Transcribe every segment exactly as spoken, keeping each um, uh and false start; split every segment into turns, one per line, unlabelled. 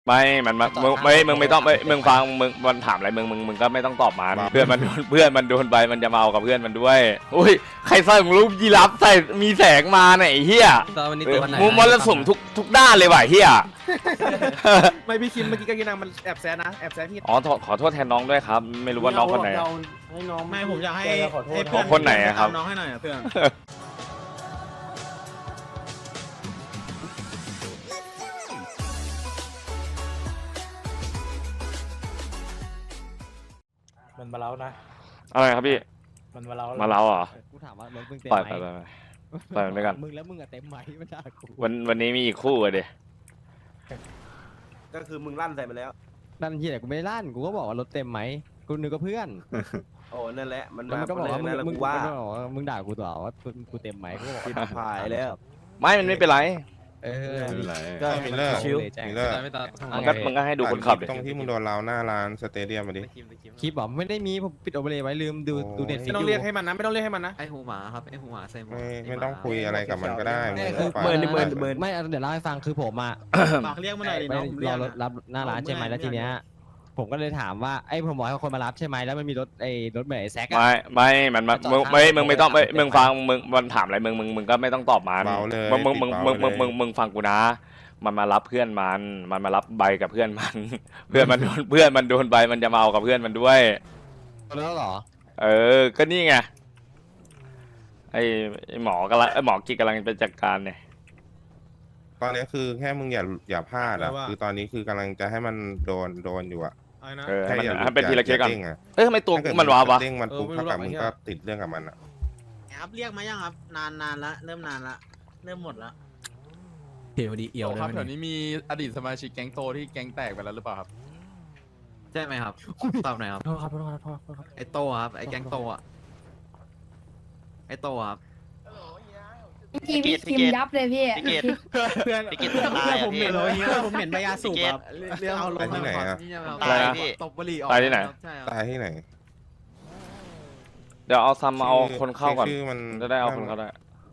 ไม่มันมามึงไม่มึงไม่ต้องไม่มึงฟังมึงมันถามอะไรมึงมึงมึงก็ไม่ต้องตอบมันเพื่อนมันโดนเพื่อนมันโดนไปมันจะมาเอากับเพื่อนมันด้วยอุ้ยใครใส่รูปยีราฟใส่มีแสงมาเนี่ยไอ้เหี้ยมุมมรสุมทุกทุกด้านเลยว่ะเหี้ย
ไม่พี่คิมเมื่อกี้ก็กินนางมันแอบแซนนะแอบแซนพี่
อ๋อขอโทษแทนน้องด้วยครับไม่รู้ว่าน้องคนไหน
ให้น้องไม่ผมอยากให้ให้
เพื่อนคนไหนครับ
น้องให้หน่อยเพื่อน
มันมาเล้านะ
อะไรครับพี่
มันมาเล้า
มาเล้าเหรอ
กูถามว่ารถมึงเต็ม
ปล่อย
ไห
ไป
ม
ไปปล่อยมันไปกัน
มึงแล้วมึงอะเต็มไหมไม่ได้กู
วันวันนี้มีอีกคู่อะเดี๋ย
ก็คือมึงลั่นใส่ไปแล้ว
นั่นที่ไหนกูไม่ได้ลั่นกูก็บอกว่ารถเต็มไหมกูนึกว่าเพื่อน
โอ้นั่นแหละมัน
มันก็บอกว่ามึงมึง
ว่า
มึงด่ากูต่อว่ากูเต็มไหมกูบอก
ว่าผ่ายแล้ว
ไม่มันไม่เป็นไร
เออ
ก็มีเลิกมีเลิก
มันก็มันก็ให้ดูคนขับเลย
ตรงที่มึงโดนเราหน้าร้านสเตเดียมมาดิ
คลิปบอกไม่ได้มีผมปิดโอเวอร์เลยไว้ลืมดูดูเน็ตฟิก
ไม่ต้องเรียกให้มันนะไม่ต้องเรียกให้มันนะ
ไอหูหมาครับไอหูหมาใส่หมวก
ไม่ไม่ต้องคุยอะไรกับมันก็ได้
เบิร์นเบิร์นเบิร์นไม่เดี๋ยวเล่าให้ฟังคือผมอะ
ฝากเรียกมาหน่อย
ไปรอรถรับหน้าร้านใช่ไหมแล้วทีเนี้ยผมก็เลยถามว่าไอ้ผมบอกให้คนมารับใช่ไหมแล้วมันมีรถไอ้รถเหมย์แซก
ไม่ไม่มันมามึงไม่มึงไม่ต้องไม่มึงฟังมึงมันถามอะไรมึงมึงมึงก็ไม่ต้องตอบมันมึงมึงมึงมึงมึงมึงมึงฟังกูนะมันมารับเพื่อนมันมันมารับใบกับเพื่อนมันเพื่อนมันโดนเพื่อนมันโดนใบมันจะมาเอากับเพื่อนมันด้วย
แล้วเหรอ
เออก็นี่ไงไอ้หมอกำลังไอ้หมอกิ๊กกำลังไปจัดการเนี่ย
ตอนนี้คือแค่มึงอย่าอย่าพลาดอ่ะคือตอนนี้คือกำลังจะให้มันโดนโดนอยู่อ่ะ
เออให้มันให้เป็นทีละเคสก่อนเอ้ยทำไมตัวมันว้าวะ
เด้งมันปุ๊บเท่ากับมึงก็ติดเรื่องกับมันอ่ะ
ครับเรียกมายังครับนานนานละเริ่มนานละเริ่มหมดละ
เดี๋ยวดีเอียว
ครับแถวนี้มีอดีตสมาชิกแก๊งโตที่แก๊งแตกไปแล้วหรือเปล่าครับ
ใช่ไหมครับตอบหน่อยครับโทษครับโทษครับโทษครับไอโตครับไอแก๊งโตอ่ะไอโตครับ
พี่พี่คิมยับเลยพี่
พี่เกต
เพื่อน
พี่เกต
เพื่อน
ตาย
ผมเหม็นเลยเงี้ยผมเหม็นใบยาสูบแบบ
เรื่องเอาลงที่ไหนอ่ะ
ตายพี่
ตบบุหรี่ออก
ตายที่ไหน
ตายที่ไหน
เดี๋ยวเอาซัมมาเอาคนเข้าก่อนจะได้เอาคนเข้าได้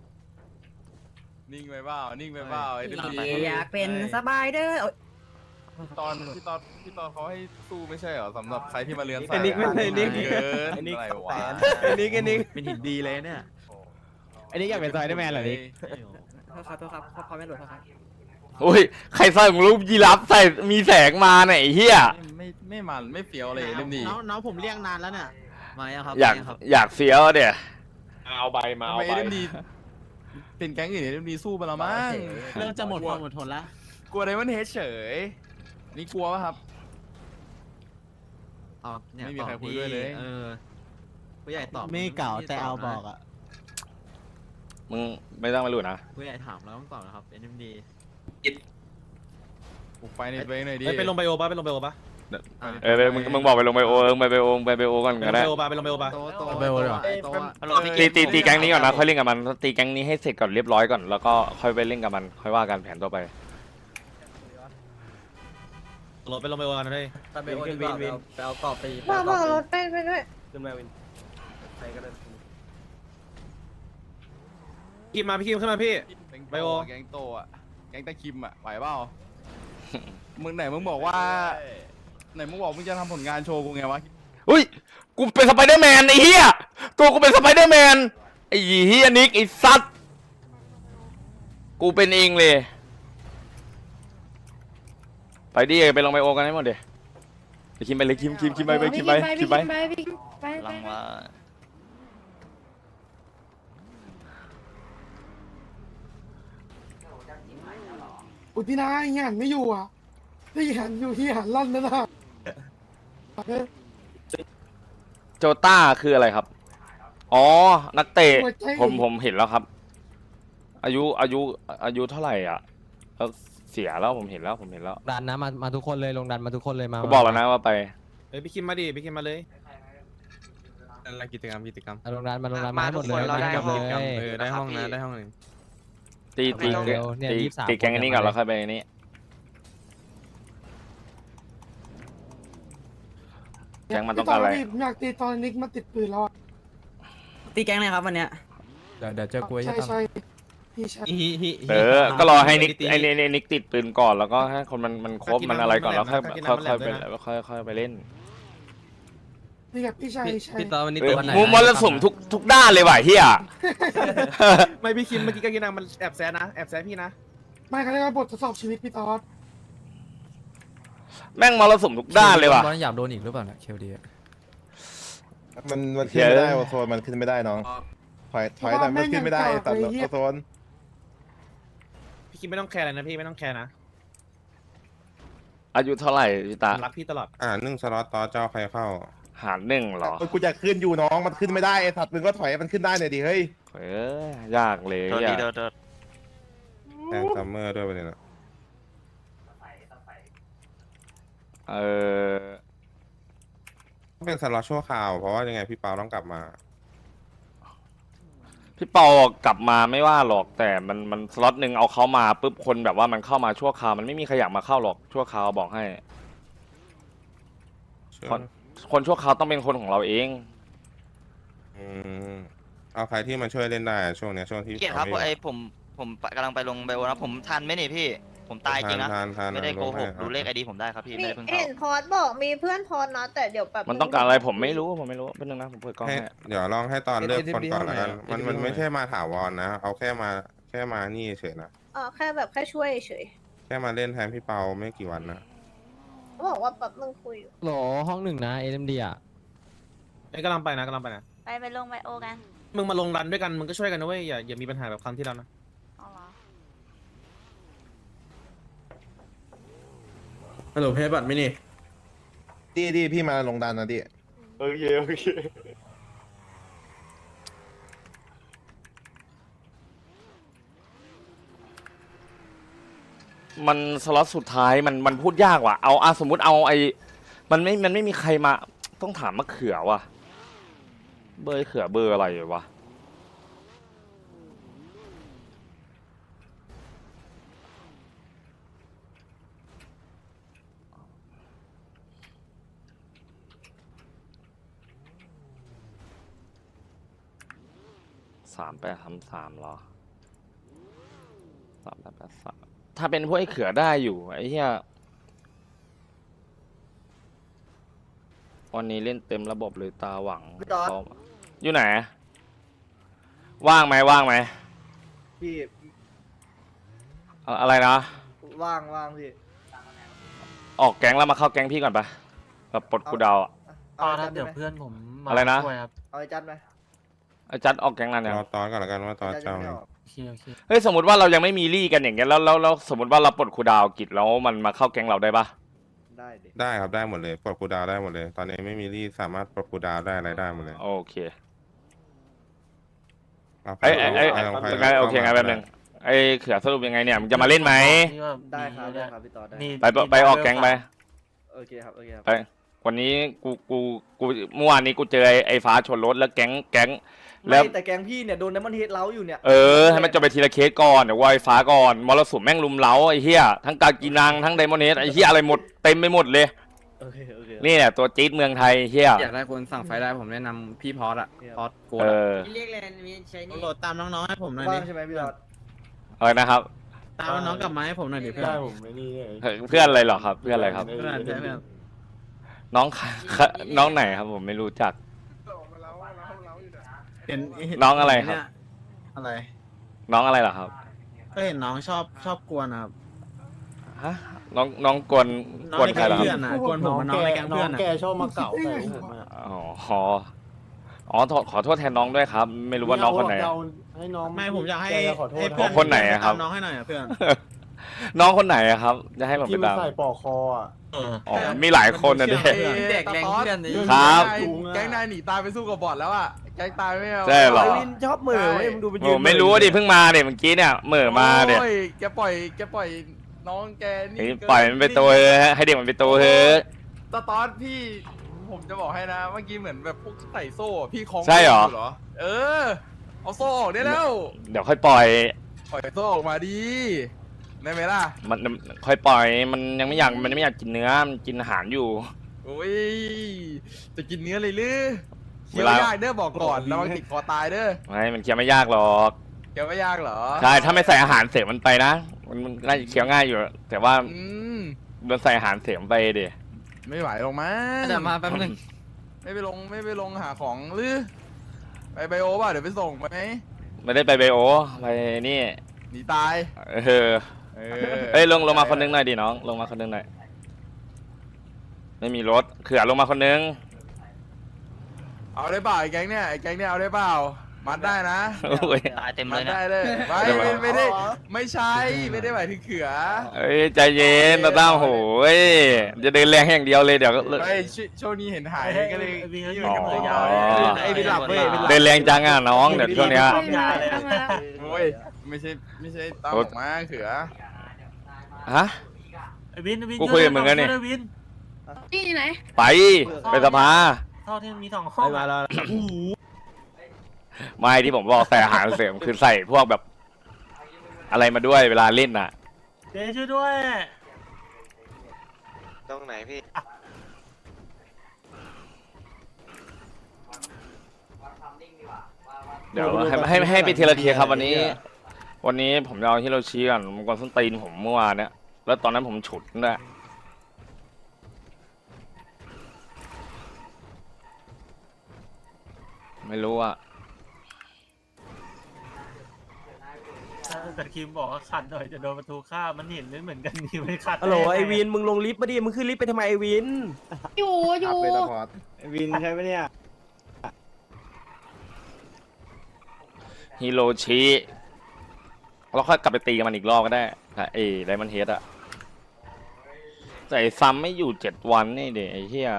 นิ่งไปเปล่านิ่งไปเปล่าไอ้ที่
อยากเป็นสบายเด้อ
ตอนที่ตอนที่ตอนเขาให้สู้ไม่ใช่เหรอสำหรับใครที่มาเรียนสาย
ไอ้นิกไม่ใช่นิก
เกิน
ไอ้นิก
อะไรวะ
ไอ้นิกไอ้นิก
เป็นหินดีเลยเนี่ย
ไอ้นี่อยากเป็นไซเดอร์แมนเหรอนิก
โทษครับโทษครับพอไม่หลุดครับ
อุ้ยใครใส่รูปยีราฟใส่มีแสงมาเนี่ยไอ้เหี้ย
ไม่ไม่มันไม่เฟี้ยวเลยเล่มนี้
น้องน้องผมเรียกนานแล้วเนี่ย
มายังครับ
อยากอยากเฟี้ยวเดี๋ย
เอาใบมาเอาใบเล่มนี้เป็นแก๊งอื่นเล่มนี้สู้ไปแล้วมั้ง
เริ่มจะหมดความอดทนแล้ว
กลัวไดมอนด์เฮดเฉยนี่กลัวป่ะครับ
ไม่มีใครคุยด้วยเลยเออผู้ใหญ่ตอบ
ไม่เก่าแต่เอาบอกอ่ะ
มึงไม่ต้องมาหลุดนะ
ผู้ใหญ่ถามแล้วต้องตอบนะครับ เอ็น เอ็ม ดี
ปลุกไฟในตัวเองหน่อยดิ
ไปลงไบโอปะไปลงไบโอปะ
เออมึงมึงบอกไปลงไบโอเออไปไบโอไปไบโอก่อนก็ได้
ไปลงไบโอปะไปลงไบโอปะ
ไบโอเลยเหรอ
ตีตีตีแก๊งนี้ก่อนนะค่อยเล่นกับมันตีแก๊งนี้ให้เสร็จก่อนเรียบร้อยก่อนแล้วก็ค่อยไปเล่นกับมันค่อยว่ากันแผนต่อไป
รถไปลงไบโอกันเลย
ไปโอวินวินไปเอากรอบไป
มาบอกรถไปไปด้วย
ขึ้นมาวินใครก็ได้คิมมาพี่คิมขึ้นมาพี่
ไบโอแก๊งโตอ่ะแก๊งตะคิมอ่ะไหวเปล่ามึงไหนมึงบอกว่าไหนมึงบอกมึงจะทำผลงานโชว์กูไงวะ
อุ้ยกูเป็นสไปเดอร์แมนไอ้เหี้ยตัวกูเป็นสไปเดอร์แมนไอ้เหี้ยนิกไอ้ซัดกูเป็นเองเลยไปดิไปลงไบโอกันให้หมดเดี๋ยวไปคิมไปเลยคิมคิมคิมไปไปคิมไปคิมไป
ลังว่า
อุทินาเฮียหันไม่อยู่อ่ะที่หันอยู่ที่หันลั่นนั่นน่ะ
โจต้าคืออะไรครับอ๋อนักเตะผมผมเห็นแล้วครับอายุอายุอายุเท่าไหร่อ่ะแล้วเสียแล้วผมเห็นแล้วผมเห็นแล้ว
ดันนะมามาทุกคนเลยลงดันมาทุกคนเลยมา
บอกแล้วนะว่าไป
เฮ้ยพี่คิมมาดิพี่คิมมาเลย
อะไรกิจกรรมกิจกรรม
ลงดันมาลงดันมาหมดเลยมาได้หมดเลย
เออได้ห้องนะได้ห้องหนึ่ง
ตีตีตีตีแกงอันนี้ก่อนแล้วค่อยไปอันนี้แกงมันต้องการอะไร
อยากตีตอนนิกมาติดปืนแล้ว
ตีแกงเลยครับวันเนี้ย
เดี๋ยวเดี๋ยวเจอกู
ใช่ใช่พี่ชาย
เออ ก็รอให้นิกไอ้นี่นิกติดปืนก่อนแล้วก็ให้คนมันมันครบมันอะไรก่อนแล้วค่อยค่อยค่อยไปค่อยค่อยไปเล่น
พี่กับพี่ชายพี่ชาย
พี่ตอนวันนี้
เอ
ตั
อ
วไหน
มูมรสุมทุกทุกด้านเลยว่ะเฮีย
ไม่พี่คิมเมื่อกี้ก็กินนังมันแอบแซะนะแอบแซะพี่นะ
ไม่เขาเรียกว่าบททดสอบชีวิตพี่ตอด
แม่งมรสุมทุกด้านเลยว่ะ
บอลอยากโดนอีกหรือเปล่าเนี่ยเคลดี
มันมันขึ้นไม่ได้โอโซนมันขึ้นไม่ได้น้องถอยถอยแต่มันขึ้นไม่ได้ตัดโอโซน
พี่คิมไม่ต้องแคร์เลยนะพี่ไม่ต้องแคร์นะ
อายุเท่าไหร่พี่ตา
รักพี่ตลอด
อ่าหนึ่งสล็อตต่อเจ้าใครเข้า
หารหนึ่งเหรอ
กูจะขึ้นอยู่น้องมันขึ้นไม่ได้ไอ้สัตว์มึงก็ถอยมันขึ้นได้หน่อยดิเฮ้ย
เออยากเลย
โทษ
อ
ดี
ยาก
โทษโทษ
แทงซัมเมอร์ด้วยไปเลยนะ
เออ
เป็นสล็อตชั่วคราวเพราะว่ายังไงพี่เปาต้องกลับมา
พี่เปากลับมาไม่ว่าหรอกแต่มันมันสล็อตหนึ่งเอาเขามาปุ๊บคนแบบว่ามันเข้ามาชั่วคราวมันไม่มีใครอยากมาเข้าหรอกชั่วคราวบอกให้ คนคนชั่วคราวต้องเป็นคนของเราเอง
อืมเอาใครที่มาช่วยเล่นได้ช่วงเนี้ยช่วงที่
เกียรติครับ
เขาม่
ไอ้ผมผมกำลังไปลงไบโอนะผมทันไหมนี่พี่ ผมตายจริงนะ
ทานทาน
ไม่ได้
ทาน
โกหก
ลงให้
ดูเลขไอดีผมได้ครับพี่
มี
ไม่ได้เพิ่ง
เห็
เข้าน
พอดบอกมีเพื่อนพอดนะแต่เดี๋ยวแบบ
มันต้องการอะไรผมไม่รู้ผมไม่รู้เป็นนึงนะผมเปิดกล้อง
ให้
ให้
เดี๋ยวลองให้ตอนเลือก
เอ็น
คน
ดี
ก่อนละกัน
เท่าไหร่
มันมันไม่ใช่มาถาวรนะเอาแค่มาแค่มานี่เฉยนะ
เออแค่แบบแค่ช่วยเฉย
แค่มาเล่นแทนพี่เปาไม่กี่วันนะ
เขาบอกว่าแบบมึงคุยอยู่
โหลห้องหนึ่งนะเอ็มดีอ่ะ
ไอ้กำลังไปนะกำลังไปนะ
ไปไปลงไบโอกัน
มึงมาลงรันด้วยกันมึงก็ช่วยกันนะเว้ยอย่าอย่ามีปัญหาแบบครั้งที่แล้วนะ
อ๋อเหรอ
ฮัลโหลเพย์บัตไม่นี่
ดีดีพี่มาลงดันนะดิ
โอเคโอเคมันสล็อตสุดท้ายมันมันพูดยากว่ะเอาอะสมมุติเอาไอมันไม่มันไม่มีใครมาต้องถามมะเขือว่ะเบอร์เขือเบอร์อะไรวะสามแปดทำสามเหรอสามแปดแปดสามถ้าเป็นพวกไอ้เขือได้อยู่ไอ้เหี้ยวันนี้เล่นเต็มระบบเลยตาหวังเขาอยู่ไหน ว่างไหมว่างไหม
พี่
อะอะไรนะ
ว่างว่างพี่
ออกแก๊งแล้วมาเข้าแก๊งพี่ก่อนปะแบบปลดกูดาวอะ
เอาเดี๋ยวเพื่อนผม
อะไรนะ
เอาไอ้จัดไหม
ไอ้จัดออกแก๊งนั้นยัง
รอตอนก่อนละกันว่าตอนเจ้าไง
เฮ้ยสมมติว่าเรายังไม่มีลี่กันอย่างเงี้ยแล้วแล้วแล้วสมมติว่าเราปลดกูดาวกิจแล้วมันมาเข้าแก๊งเราได้ปะ
ได้ดิ
ได้ครับได้หมดเลยปลดกูดาวได้หมดเลย ตอนนี้ไม่มีรีสามารถปลดกูดาวได้อะไรได้หมดเลย
โอเค
เอาไป
ไอ้ไอ้ไอ้
เอา
ไอ้
ไป
ไงโอเคไงแป๊บนึงไอ้เขือสรุปยังไงเนี่ยมึงจะมาเล่นไหม
ได้ครับได้ครับพี่ต่อได้
ไปไปไปออกแก๊งไป
โอเคครับโอเคครับ
ไปวันนี้กูกูกูเมื่อวานนี้กูเจอไอ้ไอ้ฟ้าชนรถแล้วแก๊งแก๊งแล้ว
แต่แกงพี่เนี่ยโดนน้ำมันเฮดเล้าอยู่เนี่ย
เออให้มันจบไปทีละเคสก่อนเดี๋ยวไอ้ฟ้าก่อนมรสุมแม่งลุมเล้าไอ้เหี้ยทั้งกากีนังทั้งไดมอนเฮดไอ้เหี้ยอะไรหมดเต็มไปหมดเลย
โอเคโอเค
นี่แหละตัวจี๊ดเมืองไทยเหี้ย
อยากได้คนสั่งไฟได้ผมแนะนำพี่พอสอะพอสโก
เออ
เรียกแลนมีใช้นี่โหลดตามน้องๆให้ผมหน่อยดิใช่ไหมพี่ต่อ
อะไรนะครับ
ตามน้องกลับมาให้ผมหน่อยดิเพื่อน
เพื่อนอะไรเหรอครับ เพื่อนอะไรครับ
เพื่อนใช่เพื่อน
น้องค่ะน้องไหนครับผมไม่รู้จัก
เห็น
น้องอะไรครับ
เนี่ยอะไร
น้องอะไรเหรอครับ
ก็เห็นน้องชอบชอบกวนนะครับ
ฮะน้องน้องกวน
น้อง
กวน
ใน
ใคร
แก๊ง
เหรอค
เพื่อ
รั
น
บ
นะกวนผมกับน้องในแก๊งเพื่อนอะ
แกชอบมาเก่าใส่ผมอะ
อ๋ออ๋อขอขอโทษแทนน้องด้วยครับ ไม่รู้ว่าน้องคนไหน
เอาให้น้อง
ไม่ผมอยากให้
แจะขอโทษ
ให้เพื่อน
คนไหนอะครับ
ตามน้องให้หน่อยอะเพื่อน
น้องคนไหนอะครับ จะให้ผม
ที่
ไป
มัน
ตาม
ใส่ปอกคออ่ะ
อ๋อมีหลายคนนะเด็
เด็กแก๊งเพื่อนนี้
ครับ
แก๊งนายหนีตายไปสู้กับบอทแล้วอ่ะแก๊งตายไม่เอา
ใช่เหรอ
วินชอบเหม่อเว้ยมึงดูไปยื
โอ้
น
ไม่รู้ดิเพิ่งมาเด็เมื่อกี้เนี่ยเหม่อมาเด็
โอ้ยแกปล่อยแกปล่อยน้องแกนี่
ปล่อยมันไปโตเถอะให้เด็กมันไปโตเถอะ
ตาตอนพี่ผมจะบอกให้นะเมื่อกี้เหมือนแบบพวกใส่โซ่อะพี่คล้อง
ใช่เหรอ
ยู่เออเอาโซ่ออกได้แล้ว
เดี๋ยวค่อยปล่อย
ปล่อยโซ่ออกมาดีได้ไหมล่ะ
มันค่อยปล่อยมันยังไม่อยากมันไม่อยากกินเนื้อมันกินอาหารอยู่
โอ้ยจะกินเนื้อเลยหรือ
เว
เคี้ยว
ลา
ยากเด้อบอกก่อนระวังติดคอตายเด้อ
ไม่มันเคี้ยวไม่ยากหรอก
เแกไม่ยากเหรอ
ใช่ถ้าไม่ใส่อาหารเสริมมันไปนะมันมันน่าจะเคี้ยวง่ายอยู่ แต่ว่า
อืม
โดนใส่อาหารเสริมไปดิ
ไม่ไหวลงมา
เดี๋ยวมาแป๊บนึง
ไม่ไปลงไม่ไปลงหาของหรือไปไบโอป่ะเดี๋ยวไปส่งไหม
ไม่ได้ไปไบโอไปนี่
หนีตาย
เออ
เออ
เอ้ยลงลงมาคนนึงหน่อยดิน้องลงมาคนนึงหน่อยไม่มีรถเขื่อลงมาคนนึง
เอาได้เปล่าไอ้แก๊งเนี่ยไอ้แก๊งเนี่ยเอาได้เปล่ามัดได้นะ
โอ้ย
ตายเต็ม
มั
เล
ด
ยนะ
ได้เลยไม่
เดี๋ยว
ไม่
มา
ไม่ได้ไม่ใช่ไม่ได้หมายถึงเขือ
เอ้ยใจเย็นตาตั้มโหยจะเดินแรงอย่างเดียวเลยเดี๋ยวก็
ไม่ชช่วงนี้เห็นหายก็เลย
ไอ้วินเขาอยู่
อ๋อ
กับตัวยาวเลย
ไอ้วินหลับเว้ยวินหลับ
เดินแรงจังอ่ะน้องเดี๋ยวช่วงเนี้ย
ไม่มาแล้วมาแล้ว
โอ้ยไม่ใช่ไม่ใช่ตาม
โอ้
ออกมาเขือ
ฮะ
ไอ้วินไอ้วิน
กูคุยกับมึงแล้วนี่
ช่วยด้วยวิน
ที่ไหน
ไปไปสภา
ท่อที่มันมีสองห้อง
มาแล้ว
ไม่ที่ผมบอกใส่อาหารเสริมคือใส่พวกแบบ อะไรมาด้วยเวลาเล่นน่ะ
เจ๊ช่วยด้วย
ตรงไหนพี่
เดี๋ยวให้ให้ให้ไปเทละเทียครับวันนี้ วันนี้ผมจะเอาฮิโรชิก่อนมันกวนส้นตีนผมเมื่อวานเนี้ยแล้วตอนนั้นผมฉุดด้วยไม่รู้อ่ะ
แต่คิมบอกว่าขัดหน่อยจะโดนประตูฆ่ามันเห็นไม่เหมือนกันนี่ไม่ขัด
ฮัลโหลไอวินมึงลงลิฟต์มาดิมึงขึ้นลิฟต์ไปทำไมไอวิน
อยู่อยู่
วินใช่ไหมเนี่ย
ฮิโรชิเราค่อยกลับไปตีกับมันอีกรอบก็ได้เอ้ไดมอนเฮดอะแต่ไอ้ซัมไม่อยู่เจ็ดวันนี่เดี๋ยไอ้เหี้ย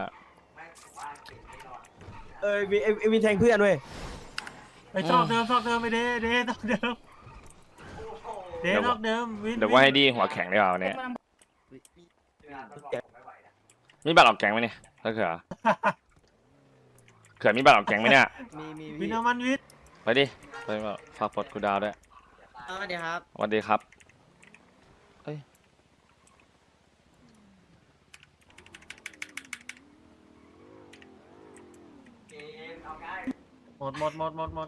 เออวินไอวินแทงเพื่อนเว้ย
ไปซอกเดิมซอกเดิมไปเด้เด้ซอกเดิมเด้ซอกเดิมวิน
เดี๋ยวว่าให้ดีหัวแข็งดีกว่าวันนี้มีบัตรออกแกงไหมเนี่ยถ้าเขือเขือมีบัตรออกแกงไหมเนี่ย
มีมี
วินเอามันวิน
ไปดิไปมาฝากปลดกูดาวด้วย
สวัสดีครับ
สวัสดีครับเอ้ย
หมดหมดหมดหมดหมด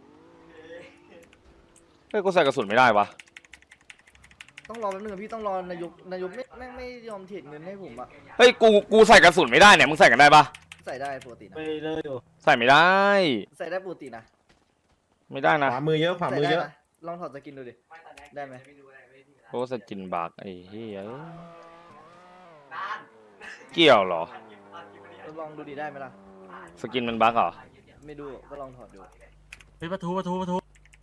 เฮ้ยกูใส่กระสุนไม่ได้วะ
ต้องรอแป๊บนึงพี่ต้องรอนายกนายกไม่แม่งไม่ยอมเทรดเงินให้ผมอะ
เฮ้ยกูกูใส่กระสุนไม่ได้เนี่ยมึงใส่กันได้ปะ
ใส่ได้ปกตินะ
ไปเลยอยู่
ใส่ไม่ได้
ใส่ได้ปกตินะ
ไม่ได้นะ
ขวามือเยอะขวามือเยอะ
ใส่ได้นะลองถอดสกินดูดิได้ไหม
โอ้สกินบักไอ้เหี้ยเกี่ยวเหรอ
ลองดูดิได้ไหมล่ะ
สกินมันบักเหรอ
ไม่ดูก็ลองถอดดู
ไปประตูประตูประตู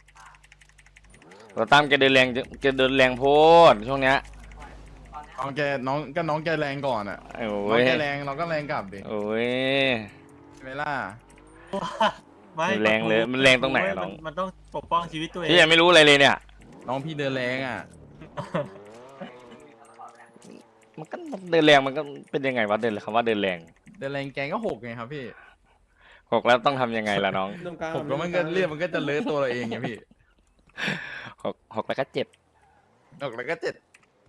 เราตามแกเดินแรงจะแกเดินแรงโพดช่วงเนี้ย
น้องแกน้องก็น้องแกแรงก่อนอ่ะ
โอ้
น้อง
ย
แกแรงเราก็แรงกลับดิ
โอ้ย
ใช่ไหมล่ะ
ไม่
มันแรงเลยมันแรงตรงไหนอะน้อง
มันต้องปกป้องชีวิตตัวเอง
พี่ยังไม่รู้อะไรเลยเนี่ย
น้องพี่เดินแรงอ่ะ
มันก็เดินแรงมันก็เป็นยังไงวะเดินคำว่าเดินแรง
เดินแรงแกงก็หกไงครับพี่
หกแล้วต้องทำยังไงล่ะน้อง
หกแล้วมันก็เรียกมันก็จะเลอะตัวเราเองไงพี่
หกหกแล้วก็เจ็บ
หกแล้วก็เจ็ด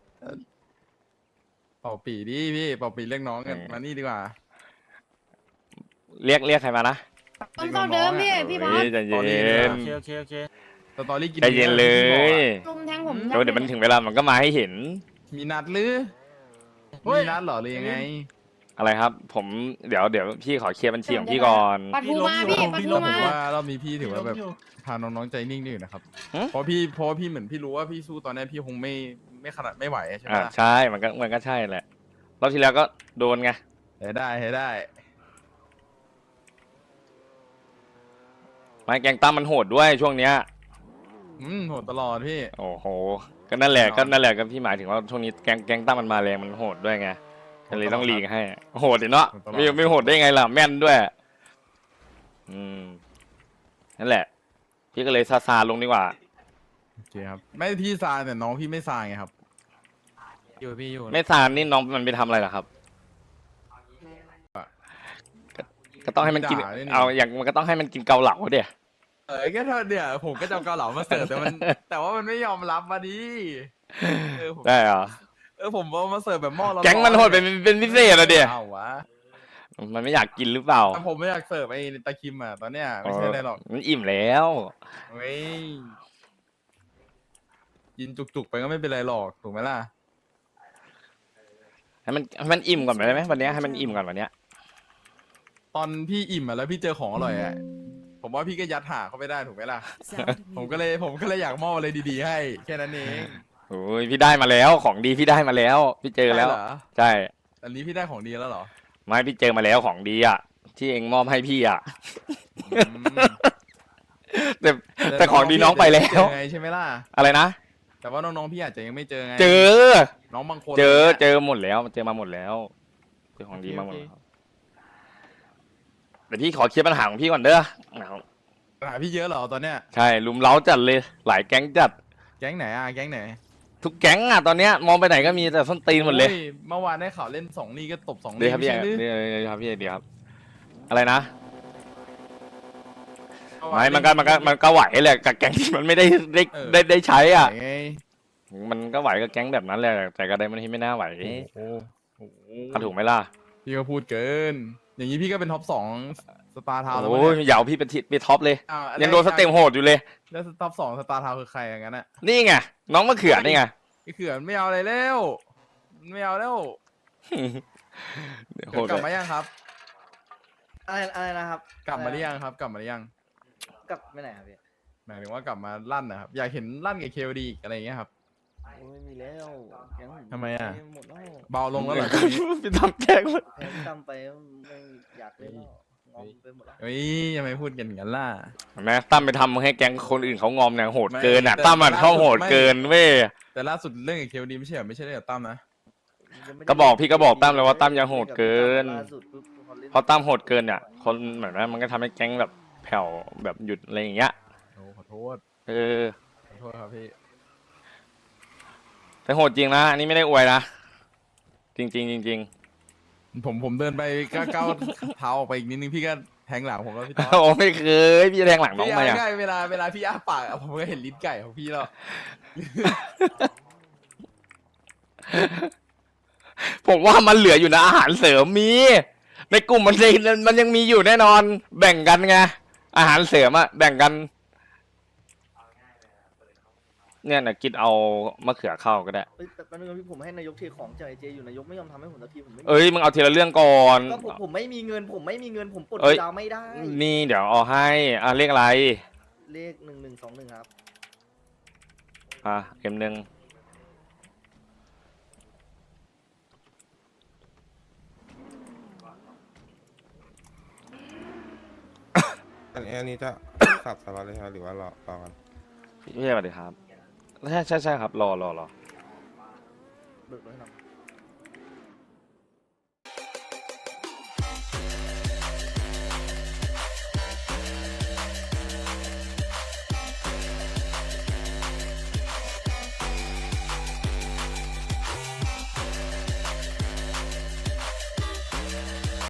เป่าปีดิพี่เป่าปีเรียกน้องกันมานี่ดีกว่า
เรียกเรียกใครมานะ
ต้นเท่าเดิมพี่พี่บอ
เฮ้ย
ส
ใจเย็
โอน เคโอเคโอเค
สตอรี่กิน
ใจเย็นเลย
ลุมแทงผม
เดี๋ยวเดี๋ยวมันถึงเวลามันก็มาให้เห็น
มีนัดหรือ
เฮ้ย
มีนัดเหรอหรือยังไง
อะไรครับ ผมเดี๋ยวเดี๋ยวพี่ขอเคลียร์บัญชีของพี่ก่อน
ปัดทูมาพี่ปัดทู
ผม
มา
ว่ารอบนี้พี่ถือว่าแบบพาน้องๆใจนิ่งๆอยู่นะครับ
หึ
เพราะพี่เพราะว่าพี่เหมือนพี่รู้ว่าพี่สู้ตอนนี้พี่คงไม่ไม่ขนาดไม่ไหวใช่ไหม
อ่า
ล่ะ
ใช่มันก็มันก็ใช่แหละรอบที่แล้วก็โดนไง
เฮ้ได้เฮ้ได้
ไม้แกงตั้มมันโหดด้วยช่วงเนี้ย
อืมโหดตลอดพี่
โอ้โหก็นั่นแหละ
แน่นอน
ก็นั่นแหละก็พี่หมายถึงว่าช่วงนี้แกงแกงตั้มมันมาแรงมันโหดด้วยไงก็เลยต้องหลีกให้โหดดิเนาะ
โหดตลอด
ไม่ไม่โหดได้ไงล่ะแม่นด้วย อืมนั่นแหละ พี่ก็เลยซาซาลงดีกว่า
โอเคครับไม่พี่ซาแต่น้องพี่ไม่ซาไงครับ
อยู่พี่อยู่
ไม่ซานี่น้องมันไปทำอะไรล่ะครับ ก็ก็ต้องให้มันกิน
ด่าด้วยนี่
เอาอย่างมันก็ต้องให้มันกินเกาเหลาเดี๋ย
เออแค่เท่าเดียวผมก็จะเอาเกาเหลามาเสิร์ฟแต่มัน แต่ว่ามันไม่ยอมรับมาดิเออผม
ได้เหรอ
เออผมเอามาเสิร์ฟแบบหม้อร้อนๆ
แก๊งมันโหดเป็นเป็นพิเศษอะเดี๋ย
เอาวะ
มันไม่อยากกินหรือเปล่า
แต่ผมไม่อยากเสิร์ฟไอ้ตะคิมอ่ะตอนเนี้ยไม่ใช่อะไรหรอก
มันอิ่มแล้ว
เว้ยกินจุกๆไปก็ไม่เป็นไรหรอกถูกไหมล่ะ
ให้มันให้มันอิ่มก่อนได้ไหมวันเนี้ยให้มันอิ่มก่อนวันเนี้ย
ตอนพี่อิ่มอ่ะแล้วพี่เจอของอร่อยอ่ะผมว่าพี่ก็ยัดหาเข้าไปได้ถูกไหมล่ะ ผมก็เลยผมก็เลยอยากมอบอะไรดีๆให้แค่นั้นเอง
โอ้ยพี่ได้มาแล้วของดีพี่ได้มาแล้ว พี่เจอแล้ว
ได้เหรอ
ใช่
อันนี้พี่ได้ของดีแล้วเหรอ
ไม่พี่เจอมาแล้วของดีอ่ะที่เองมอบให้พี่อ่ะ
อืม
แต่แต่ของดีน้องไปแล้ว
เจอไงใช่ไหมล่ะ
อะไรนะ
แต่ว่าน้องๆพี่อาจจะยังไม่เจอไง
เจอ
น้องบางคน
เจอ
นี่ย
เจอหมดแล้วเจอมาหมดแล้วเจอของดีมาหมดแล้วเดี๋ยวพี่ขอเคลียร์ปัญหาของพี่ก่อนเด้อ
หาพี่เยอะเหรอตอนเนี้ย
ใช่ลุมเล้าจัดเลยหลายแก๊งจัด
แก๊งไหนอ่ะแก๊งไหน
ทุกแก๊งอ่ะตอนเนี้ยมองไปไหนก็มีแต่ส้นตีนหมดเลย
โอ้เมื่อวานได้ข่าวเล่นสองนี่ก็ตบสอง
เดี๋ย
นี่
วครับ
ไม่
พี่
ใช่หรือ
เดี๋ยวเดี๋ยวครับพี่เดี๋ยวครับ อะไรนะ
เอวา
ไม่มันก็มันก็มันก็ไหวแหละกับแก๊งที่มันไม่ได้ได้
เออ
ได้ได้ใช้อ่ะ
ไหนไง
มันก็ไหวกับแก๊งแบบนั้นแหละแต่ก็ได้มันที่ไม่น่าไหว
โอ้โห
ก็ถูกไหมล่ะ
พี่ก็พูดเกิน อย่างนี้พี่ก็เป็นท็อปสองสตาร์ทาวน์แล้ว
โอ้ย
เนี่ย
เหยาวพี่เป็นทิศไปท็อปเลย
อ้าว
ยังโดนสเต็มโหดอยู่เลย
แล้วท็อปสองสตาร์ทาวน์คือใครอย่างนั้นอ่ะ
นี่ไงน้องมะเขือนี่ไง
ไอ้เขื่อนไม่เอาอะไรแล้วไม่เอาแล้ว
เดี๋ยว
เขื่
โห
อน
ด
กลับ
เลย
มายังครับ
อะไรอะไรนะครับ
กลับมาหรือยังครับ กลับมาหรือยัง
กลับไม่ไหนครับพี่
หมายถึงว่ากลับมาลั่นนะครับอยากเห็นลั่นกับเคลดีอะไรอย่างเงี้ยครับ
ไม่มีแล้วแก๊งผม
ทำไมอะ
หมดแล้ว
เบาลงแล้วเหรอช่วงนี้
พี่ทำแก๊ง
แพ้กำไปไม่อยากเล่นแล้วงอมไปหมดแล้ว
เฮ้ยทำไมพูดกันอย่างนั้นล่ะ
เห็นไหมตั้มไปทำให้แก๊งคนอื่นเขางอมเนี่ยโหด
ไม่
เกินอ่ะ
แต่
ตั้มมัน
ล่าสุด
เข้าโหด
ไม่
เกินเว้ย
แต่ล่าสุดเรื่องกับเคลดีไม่ใช่เหรอไม่ใช่เรื่องกับตั้มนะ
ก็บอกพี่ก็บอกตั้มเลยว่าตั้มยังโหดเกิน
ล่าสุดปุ๊บเขาล่น
เพราะตั้มโหดเกินเนี่ยคนเหมือนว่ามันก็ทำให้แก๊งแบบแผ่วแบบหยุดอะไรอย่างเงี้ย
โอ้ขอโทษ
เออ
ขอโทษครับพี่
แต่โหดจริงนะอันนี้ไม่ได้อวยนะจริงจริงๆจริง
ผมผมเดินไปก้าวก้าวเท้าออกไปอีกนิดนึงพี่ก็แทงหลังผมแล้วพี่
ๆ
ต๊อด
โอ้ไม่เคยพี่จะแทงหลังน้อง
พี่
มา
อา
อ่ะ
ง่ายเวลาเวลาพี่อ้าปากอะผมก็เห็นลิ้นไก่ของพี่แล้ว
ผมว่ามันเหลืออยู่นะอาหารเสริมมี ในกลุ่มมันยังมันยังมีอยู่แน่นอน แบ่งกันไงอาหารเสริมอะแบ่งกัน เนี่ยนะกินเอามะเขือเข้าก็ได้
เอ้ยแต่แป๊บนึงนะพี่ผมให้นายกเทของจากไอเจอยู่นายกไม่ยอมทำให้ผมสักทีผมไม่มี
เอ้ยมึงเอาทีละเรื่องก่อน
ก็ผมผมไม่มีเงิน ผมไม่มีเงินผมปลด
เอ้ย
ดาวไม่ได้
นี่เดี๋ยวเอาให้อ่ะเรียกอะไร
เลขหนึ่งหนึ่งสองหนึ่งครับ
อ่ะเอ็มหนึ่ง
อันนี้อันนี้จะ สับสล็อตเลยครับหรือว่ารอรอกัน
พี่สวัสดีครับใช่ใช่ใช่ครับรอรอรอ
เบิกรถให้หน่อย